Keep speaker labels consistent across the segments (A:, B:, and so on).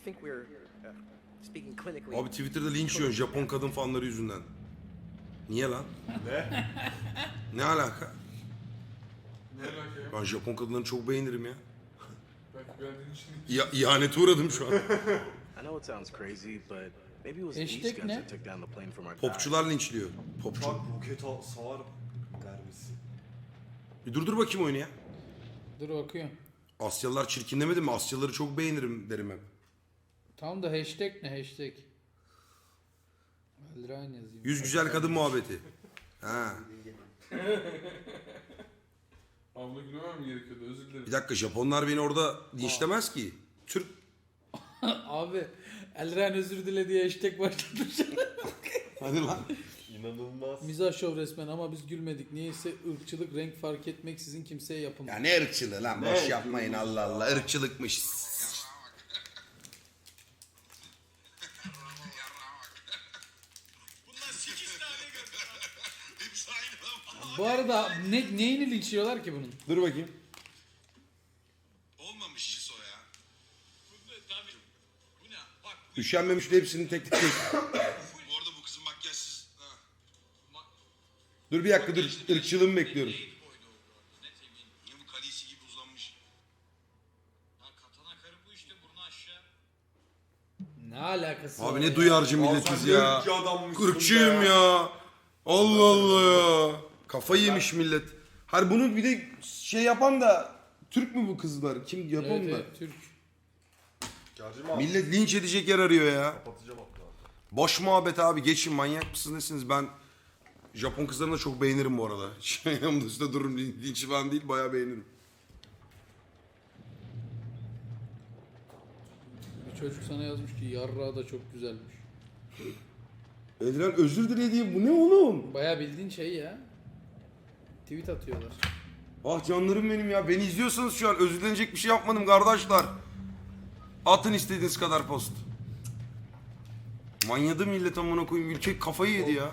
A: think we're speaking clinically.
B: Abi Twitter'da linç yiyorsun Japon kadın fanları yüzünden. Niye lan?
C: Ne?
B: Ne alaka?
D: Ne alaka ya?
B: Ben Japon kadınlarını çok beğenirim ya.
D: Belki beğendiğin için.
B: İhanete uğradım şu an.
A: I know it sounds crazy, but maybe it was these
E: Hashtag
A: guys
E: ne?
A: that took down the plane from our
B: Popçular linçliyor. Popçu.
C: Uçak roket sağar mermisi.
B: Bir durdur bakayım oyunu ya.
E: Dur bakıyorum.
B: Asyalılar çirkin demedim mi? Asyalıları çok beğenirim derim hep.
E: Tam da hashtag ne hashtag? Eldrain yazayım.
B: Yüz güzel kadın muhabbeti. Ha.
D: Abla gülmemem mi gerekiyordu? Özür dilerim.
B: Bir dakika Japonlar beni orada linçlemez ki. Türk.
E: Abi Eldrain özür dile diye hashtag başladım.
B: Hadi lan.
C: İnanılmaz.
E: Mizah şov resmen ama biz gülmedik. Niyeyse ırkçılık renk fark etmeksizin kimseye yapılmıyor.
B: Ya ne ırkçılığı lan? Boş yapmayın Allah Allah. Irkçılıkmış.
E: Bu arada neyini linçliyorlar ki bunun?
B: Dur bakayım.
F: Olmamış Şiso ya.
B: Üşenmemiş de hepsini tek tek.
F: Bu arada bu kızın makyajsız. Ha.
B: Dur bir dakika dur. Irkçılığımı bekliyorum.
F: Niye bu kalisi gibi uzanmış?
E: Ne alakası var
B: Abi ne
E: ya?
B: duyarcı milletiz ya.
C: Irkçı adammışsın
B: Irkçıyım
C: be.
B: ya. Allah Allah ya. Kafayı yemiş millet. Hayır bunu bir de şey yapan da Türk mü bu kızlar? Kim yapan
E: Evet,
B: da?
E: evet, Türk.
C: Gerçi abi.
B: Millet linç edecek yer arıyor ya.
C: Kapatacağım hatta.
B: Boş muhabbet abi geçin manyak mısınız nesiniz? Ben Japon kızlarını da çok beğenirim bu arada. Şey yanımda üstte dururum linç falan değil bayağı beğenirim.
E: Bir çocuk sana yazmış ki yarrağı da çok güzelmiş.
B: Edilen özür dilediği bu ne oğlum?
E: Baya bildiğin şey ya. Tweet atıyorlar.
B: Ah canlarım benim ya. Beni izliyorsanız şu an özür dilenecek bir şey yapmadım kardeşler. Atın istediğiniz kadar post. Manyadı millet amına koyayım. Ülke kafayı yedi ya.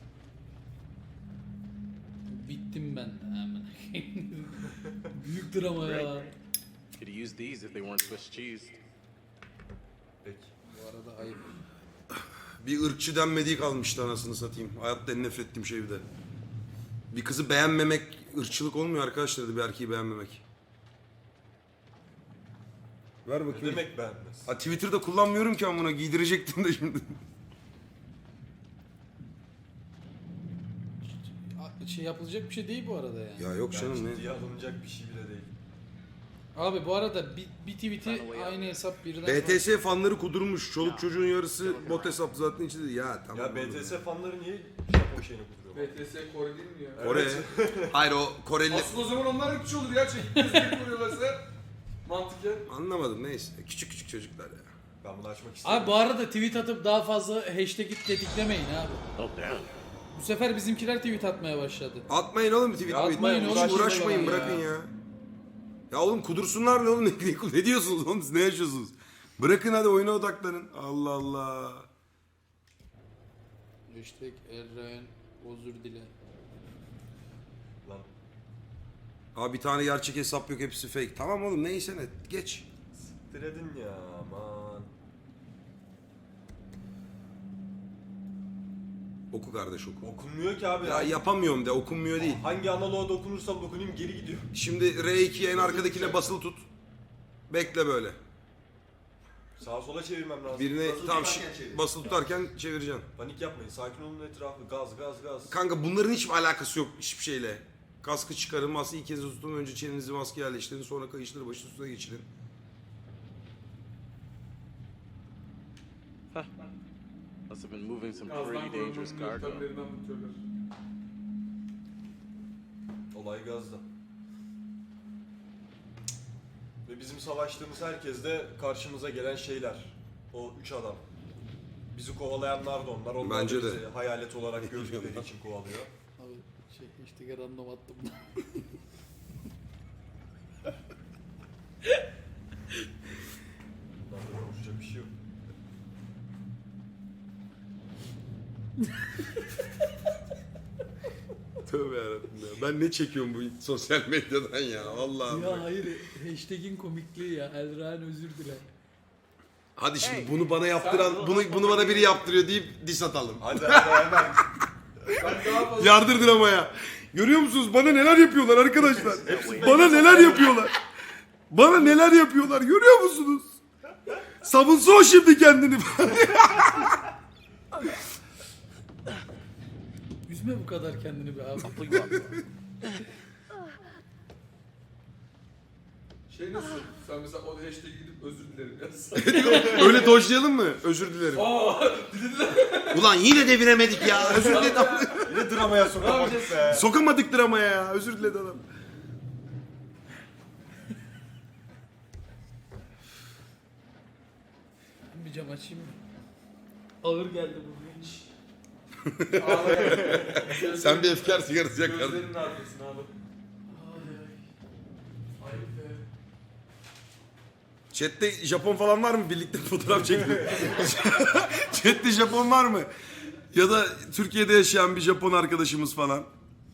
E: Bittim ben de hemen. Büyük drama ya.
A: Could have used these if they weren't Swiss cheese.
C: Peki.
E: Bu arada ayıp.
B: Bir ırkçı denmediği kalmıştı anasını satayım. Hayatta en nefret ettiğim şey bir de. Bir kızı beğenmemek ırkçılık olmuyor arkadaşlar dedi bir erkeği beğenmemek. Ver
C: Ne
B: bakayım.
C: demek beğenmez?
B: Ha, Twitter'da kullanmıyorum ki amına giydirecektim de şimdi.
E: Şey yapılacak bir şey değil bu arada yani.
B: Ya yok canım ne?
C: Ciddiye alınacak bir şey bile değil.
E: Abi bu arada bir tweet'i aynı hesap birden...
B: BTS fanları kudurmuş. Çoluk çocuğun yarısı bot hesap zaten içinde. Ya tamam.
C: Ya
B: oğlum
C: BTS fanları niye Japon şeyini kuduruyor?
D: BTS Kore değil mi ya?
B: Kore. Hayır o Koreli.
D: Aslında o zaman onlar ırkçı olur ya. Çekip gözleri koruyorlarsa. Mantıken.
B: Anlamadım neyse. Küçük küçük çocuklar ya.
C: Ben bunu açmak istiyorum.
E: Abi bu arada tweet atıp daha fazla hashtag'i tetiklemeyin abi.
A: Oh damn.
E: Bu sefer bizimkiler tweet atmaya başladı.
B: Atmayın oğlum tweet.
E: Atmayın oğlum,
B: Uğraşmayın
E: ya.
B: bırakın ya. Ya oğlum kudursunlar ne oğlum ne diyorsunuz oğlum siz ne yaşıyorsunuz? Bırakın hadi oyuna odaklanın. Allah Allah.
E: Hashtag Eldrain özür dile.
C: Lan
B: Abi bir tane gerçek hesap yok hepsi fake. Tamam oğlum neyse ne geç.
C: siktir edin ya aman.
B: Oku kardeş oku.
C: Okunmuyor ki abi.
B: Ya yapamıyorum de okunmuyor değil.
C: Hangi analoğa dokunursam dokunayım geri gidiyor.
B: Şimdi R2'ye en arkadakine basılı tut. Bekle böyle.
C: Sağa sola çevirmem lazım.
B: Birine
C: Basılı
B: tam
C: tutarken çevir.
B: basılı tutarken çevireceksin.
C: Panik yapmayın. Sakin olun etrafı. Gaz gaz gaz.
B: Kanka bunların hiçbir alakası yok hiçbir şeyle. Kaskı çıkarın, masayı ilk kez tutun, önce çenenizi maskeye yerleştirin, sonra kayışları başın üstüne geçirin.
A: Must have been moving some
D: Gazdan
A: pretty dangerous
D: korunmanın
A: cargo.
D: yöntemlerini anlatıyorlar.
C: Olay gazda. Ve bizim savaştığımız herkes de karşımıza gelen şeyler. O üç adam. Bizi kovalayanlar da onlar. Onlar
B: Bence
C: da
B: de.
C: bizi hayalet olarak gördükleri için kovalıyor.
E: Abi şey hashtag'e random attım.
C: Bunlarla konuşacak bir şey yok.
B: Tövbe yarabbim ya. Ben ne çekiyorum bu sosyal medyadan ya vallahi.
E: Ya hayır hashtag'in komikliği ya. Eldrain özür dile.
B: Hadi şimdi bunu bana yaptıran, bunu bana biri yaptırıyor deyip diss atalım.
C: Hadi hemen.
D: Ben daha fazla...
B: Yardır dramaya. Görüyor musunuz? Bana neler yapıyorlar arkadaşlar? Bana neler yapıyorlar? Bana neler yapıyorlar? Görüyor musunuz? Savunsa o şimdi kendini.
E: Üzme bu kadar kendini be abi.
D: Şey nasıl? Sen mesela o hashtag'e gidip özür dilerim yazsan.
B: Öyle dojlayalım mı? Özür dilerim. Ulan yine deviremedik ya. Özür dilerim.
C: Yine dramaya sokamadık be.
B: Sokamadık dramaya ya. Özür diledi adam.
E: Bir cam açayım mı? Ağır geldi bu hiç.
B: Sen bir efkar sigarası yakardın.
D: Gözlerinin arkasına abi. Ay be.
B: Chat'te Japon falan var mı? Birlikte fotoğraf çekelim. Chat'te Japon var mı? Ya da Türkiye'de yaşayan bir Japon arkadaşımız falan.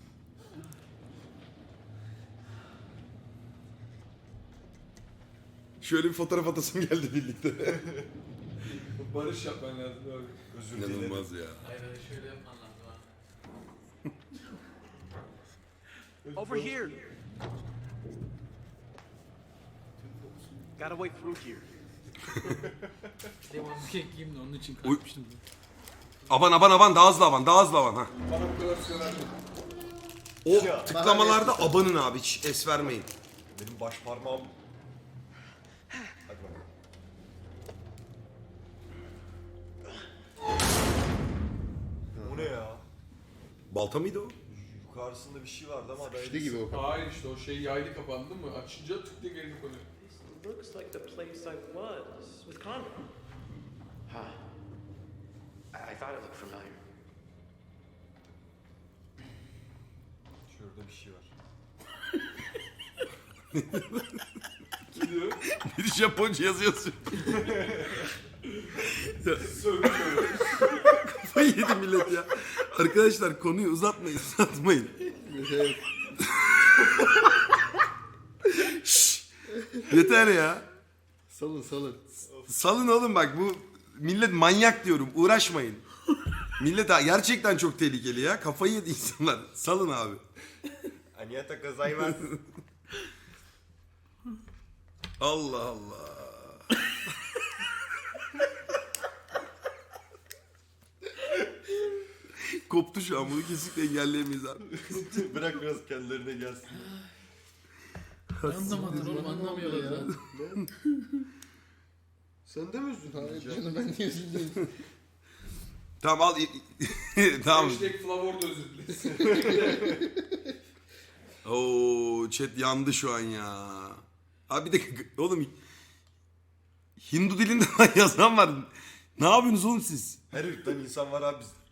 B: Şöyle bir fotoğraf atasım geldi birlikte.
D: Barış yapman lazım abi.
C: Özür dilerim.
B: İnanılmaz ya.
E: Hayır hayır şöyle yapman lazım ha.
A: Over here. Gotta wait through here.
E: Devamlı ekleyeyim de onun için kalkmıştım.
B: Aman daha hızlı avan ha.
D: Bana bu kadar söyler mi?
B: O tıklamalarda abanın abi hiç es vermeyin.
C: Benim baş parmağım... Hadi bakalım. O ne ya?
B: Balta mıydı o?
C: Yukarısında bir şey vardı ama ben...
G: İşte gibi o.
D: Hayır işte o şey yaylı kapandı mı? Açınca tık diye geri konuyor.
A: Looks like the place I was with Connor.
H: Huh. I thought it looked familiar.
C: Şurada bir şey var.
D: Gidiyor.
B: Bir Japonca yazıyorsun. Kafayı yedi millet ya. Arkadaşlar konuyu uzatmayın. Şşş, yeter ya.
G: Salın.
B: Salın oğlum bak bu millet manyak diyorum uğraşmayın. Millet gerçekten çok tehlikeli ya. Kafayı yedi insanlar. Salın abi.
C: Aniyata gozaimasu.
B: Allah Allah. Koptu şu an bunu kesinlikle engelleyemeyiz abi.
C: Bırak biraz kendilerine gelsin.
E: Anlamadın oğlum anlamıyorlar ya.
G: Sen de mi üzdün? Hayır canım ben niye üzüldüm?
B: Tamam al. Tamam.
D: Hashtag Flavor da özür dilesin.
B: Oo chat yandı şu an ya. Abi bir de oğlum Hindu dilinde yazan var. Ne yapıyorsunuz oğlum siz?
C: Her ırktan insan var abi bizde.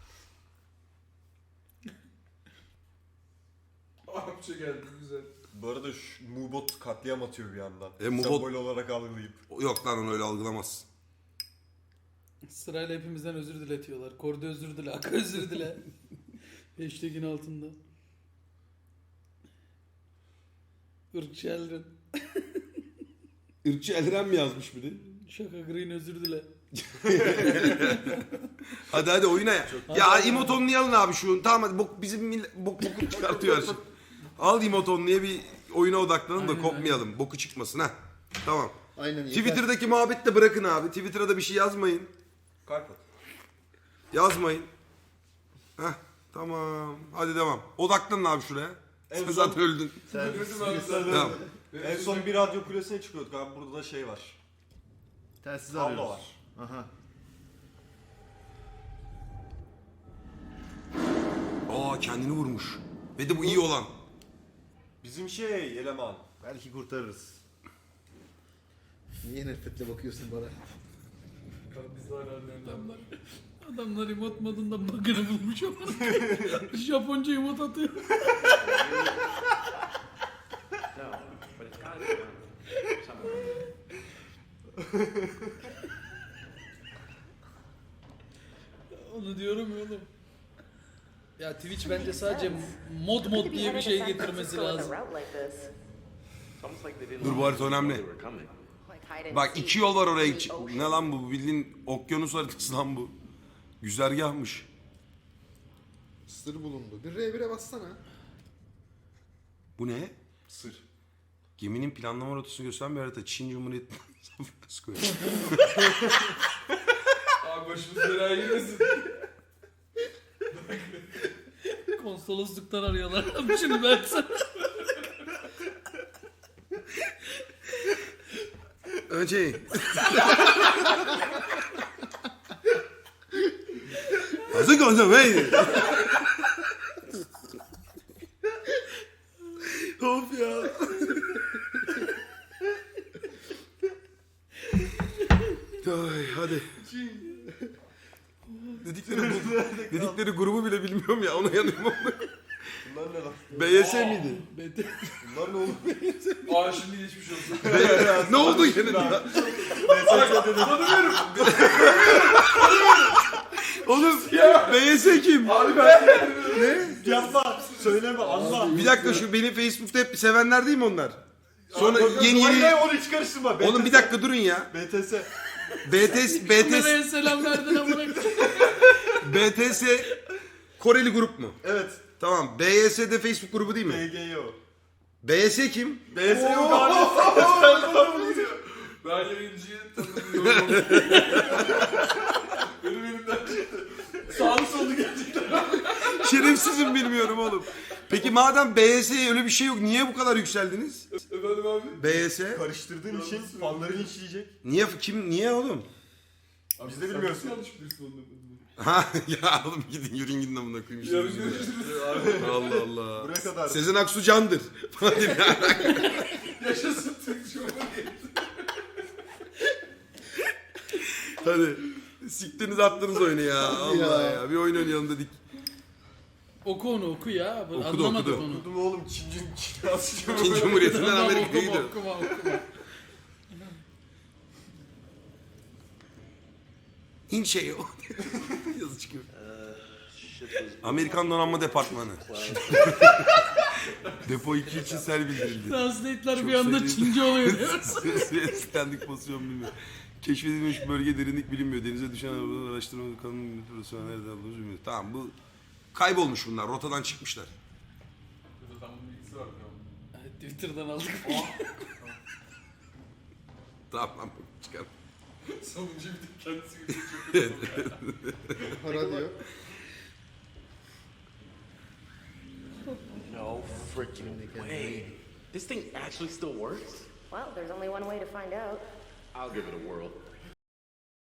D: Arapça geldi güzel.
C: Bu arada şu Mubot katliam atıyor bir yandan.
B: Mubot-
C: Sembol olarak algılayıp.
B: Yok lan onu öyle algılamaz.
E: Sırayla hepimizden özür diletiyorlar. Korda özür dile, Aka özür dile. Hashtag'in altında. Irkçı Elren.
B: Irkçı Elren mi yazmış biri?
E: Şaka Green özür dile.
B: Hadi oyuna ya. Ya emotonluyu alın abi şu. Tamam hadi bizim boku çıkartıyor her şey. Al emotonluya bir oyuna odaklanın da
E: Aynen,
B: kopmayalım. Boku çıkmasın ha. Tamam.
G: Aynen yeter.
B: Twitter'daki muhabbet de bırakın abi. Twitter'a da bir şey yazmayın.
C: Kalp at.
B: Yazmayın. Heh tamam. Hadi devam. Odaklanın abi şuraya. Sen
C: En son-
B: zaten öldün.
D: Gözüm abi sen.
B: Tamam.
C: En son bir radyo kulesine çıkıyorduk abi. Burada da şey var.
G: Telsiz
C: Kablo
G: arıyoruz.
C: var.
G: Aha.
B: Aa kendini vurmuş. Ve de bu iyi olan.
C: Bizim şey eleman.
G: Belki kurtarırız. Niye nefretle bakıyorsun bana?
D: Biz de hala
E: Adamlar, adamlar emot modunda bug'ını bulmuş ama. Japonca emot atıyor.
H: No, but it's gotta be around somewhere.
E: Onu diyorum ya oğlum. Ya Twitch bence sadece mod diye bir şey getirmesi lazım.
A: It's almost like they didn't
B: Dur bu harita önemli.
A: they were coming.
I: hide and
B: Bak
I: seek
B: 2 yol var oraya
I: in
B: gidecek.
I: the ocean.
B: Ne lan bu? Bildiğin okyanus haritası lan bu. Güzergahmış.
G: Sır bulundu. Bir R1'e bassana.
B: Bu ne?
C: Sır.
B: Geminin planlama rotasını gösteren bir harita. Çin Cumhuriyeti.
D: Abi başımız belaya girmesin.
E: Konsolosluktan arıyorlar. Şimdi ben sana.
B: Önce. Hazır konuşalım hey. Of ya. Ay, hadi. Dedikleri grubu bile bilmiyorum ya, ona yanıyorum.
C: Bunlar ne lan?
B: BYS miydi?
C: Bunlar ne oğlum?
D: Aa şimdi geçmiş olsun.
B: Ne oldu yine? Oğlum BYS kim?
D: Abi ben
C: Yapma. Söyleme Allah.
B: Bir dakika, şu beni Facebook'ta hep sevenler değil mi onlar? Sonra yeni
C: Hayır,
B: yeni...
C: onu hiç karıştırma.
B: Oğlum bir dakika durun ya.
C: BTS.
E: Nereye selam verdin amına koyayım.
B: BTS Koreli grup mu?
C: Evet.
B: Tamam. BYS de Facebook grubu değil mi?
C: BGO.
B: BYS kim?
C: BS yok abi.
D: ben yayıncıyı tanımıyorum. Benim elimden çıktı. Sağlı sollu gerçekten.
B: Şerefsizim, bilmiyorum oğlum. Peki madem BYS'ye öyle bir şey yok, niye bu kadar yükseldiniz?
D: Efendim abi.
B: BYS?
C: Karıştırdığın için fanları linçleyecek.
B: Niye oğlum?
C: Biz de bilmiyoruz.
D: Yanlış bilirsin onu.
B: Ha ya oğlum, gidin yürüyün amına koyayım işte.
D: Yarın görüşürüz.
B: Allah Allah.
C: Buraya kadar.
B: Sezen Aksu candır.
D: Yaşasın Türk Cumhuriyeti.
B: Hadi. Siktiniz attınız oyunu ya. Allah ya. Bir oyun oynayalım dedik.
E: Oku onu oku ya.
B: Okudu,
E: Anlamadık
B: okudu.
E: onu.
C: Okudum oğlum Çin Asya.
B: Çin Cumhuriyeti'nden
E: Tamam,
B: Amerika'ya
E: okuma,
B: gidiyor.
E: okuma.
B: İnşeyo. Yazı çıkıyor. Amerikan Donanma Departmanı. Depo 2 için sel bildirildi.
E: Translate'ler bir anda Çince oluyor diyor.
B: Standing pozisyon bilmiyor. Keşfedilmiş bölge derinlik bilinmiyor. Denize düşen arabalar araştırma kanun profesyonel nerede aldığımız bilmiyor. Tamam, bu kaybolmuş bunlar. Rotadan çıkmışlar.
D: Zaten bunun bilgisi var.
E: Twitter'dan aldık.
B: Tamam, çıkar.
D: Sonuncu bir de kendisi gidiyor.
G: Para diyor.
A: No freaking way. This thing actually still works?
I: Well, there's only one way to find out.
A: I'll give it a whirl.